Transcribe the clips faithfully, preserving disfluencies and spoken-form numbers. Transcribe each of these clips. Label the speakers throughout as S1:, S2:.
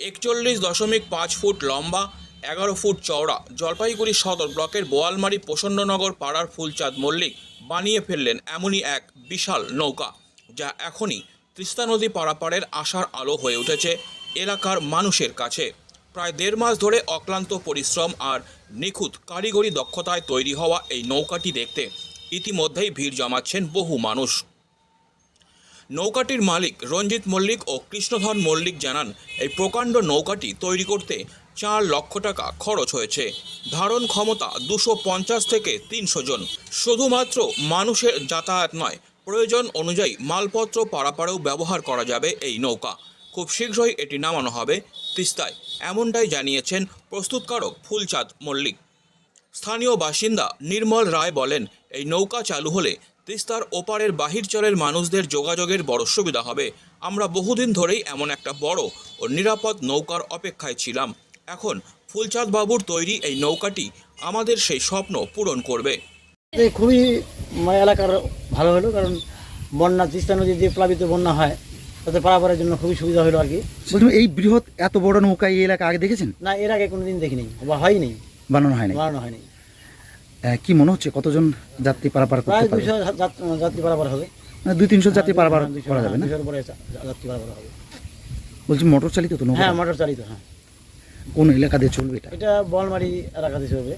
S1: একচল্লিশ দশমিক পাঁচ ফুট লম্বা, এগারো ফুট চওড়া জলপাইগুড়ি সদর ব্লকের বোয়ালমারি প্রসন্ননগর পাড়ার ফুলচাঁদ মল্লিক বানিয়ে ফেললেন এমনই এক বিশাল নৌকা, যা এখনই তিস্তা নদী পারাপারের আশার আলো হয়ে উঠেছে এলাকার মানুষের কাছে। প্রায় দেড় মাস ধরে অক্লান্ত পরিশ্রম আর নিখুঁত কারিগরি দক্ষতায় তৈরি হওয়া এই নৌকাটি দেখতে ইতিমধ্যেই ভিড় জমাচ্ছেন বহু মানুষ। নৌকাটির মালিক রঞ্জিত মল্লিক ও কৃষ্ণধন মল্লিক জানান, এই প্রকাণ্ড নৌকাটি তৈরি করতে চার লক্ষ টাকা খরচ হয়েছে। ধারণ ক্ষমতা দুশো পঞ্চাশ থেকে তিনশো জন। শুধুমাত্র মানুষের যাতায়াত নয়, প্রয়োজন অনুযায়ী মালপত্র পারাপারেও ব্যবহার করা যাবে এই নৌকা। খুব শীঘ্রই এটি নামানো হবে তিস্তায়, এমনটাই জানিয়েছেন প্রস্তুতকারক ফুলচাঁদ মল্লিক। স্থানীয় বাসিন্দা নির্মল রায় বলেন, এই নৌকা চালু হলে তিস্তার ওপারের বাহিরচরের মানুষদের যোগাযোগের বড় সুবিধা হবে। আমরা বহুদিন ধরেই এমন একটা বড় ও নিরাপদ নৌকার অপেক্ষায় ছিলাম। এখন ফুলচাঁদ বাবুর তৈরি এই নৌকাটি আমাদের সেই স্বপ্ন পূরণ করবে।
S2: খুবই এলাকার ভালো হলো, কারণ বন্যা তিস্তা নদী যে প্লাবিত বন্যা হয় তাতে পারাপারের জন্য খুবই সুবিধা হলো আর কি।
S3: বলছি, এই বৃহৎ এত বড় নৌকা এই এলাকা আগে দেখেছেন?
S2: না, এর আগে কোনোদিন দেখিনি বা হয়নি,
S3: বানানো হয়নি।
S2: বানানো হয়নি।
S3: আহ, কি মনে হচ্ছে কতজন যাত্রী পারাপার করতে
S2: প্রায়
S3: পারবে?
S2: দুইশো যাত্রী পারাপার হবে।
S3: মানে দুই তিনশো যাত্রী পারাপার
S2: দুইশো,
S3: করা যাবে না?
S2: দুইশোর উপরে যাত্রী পারাপার হবে।
S3: বলছি, মোটর চালিত তো নৌকা?
S2: হ্যাঁ, মোটর চালিত। হ্যাঁ।
S3: কোন এলাকা দিয়ে চলবে এটা?
S2: এটা বোয়ালমারি এলাকাতে চলবে।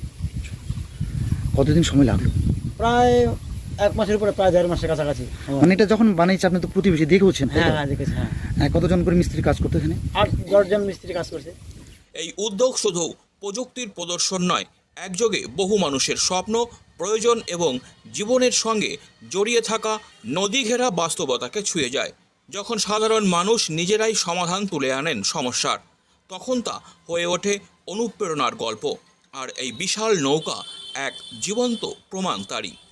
S3: কতদিন সময় লাগলো?
S2: প্রায় এক মাসের উপরে, প্রায় দেড় মাসের কাছাকাছি।
S3: মানে এটা যখন বানিয়েছে আপনি তো প্রতিবেশী দেখেওছেন?
S2: হ্যাঁ হ্যাঁ দেখেছি। হ্যাঁ,
S3: হ্যাঁ, কতজন করে মিস্ত্রি কাজ করতে এখানে?
S2: আট দশজন মিস্ত্রি কাজ করছে।
S1: এই উদ্যোগ শুধু প্রযুক্তির প্রদর্শন নয়, একযোগে বহু মানুষের স্বপ্ন, প্রয়োজন এবং জীবনের সঙ্গে জড়িয়ে থাকা নদী ঘেরা বাস্তবতাকে ছুঁয়ে যায়। যখন সাধারণ মানুষ নিজেরাই সমাধান তুলে আনেন সমস্যার, তখন তা হয়ে ওঠে অনুপ্রেরণার গল্প। আর এই বিশাল নৌকা এক জীবন্ত প্রমাণ তারই।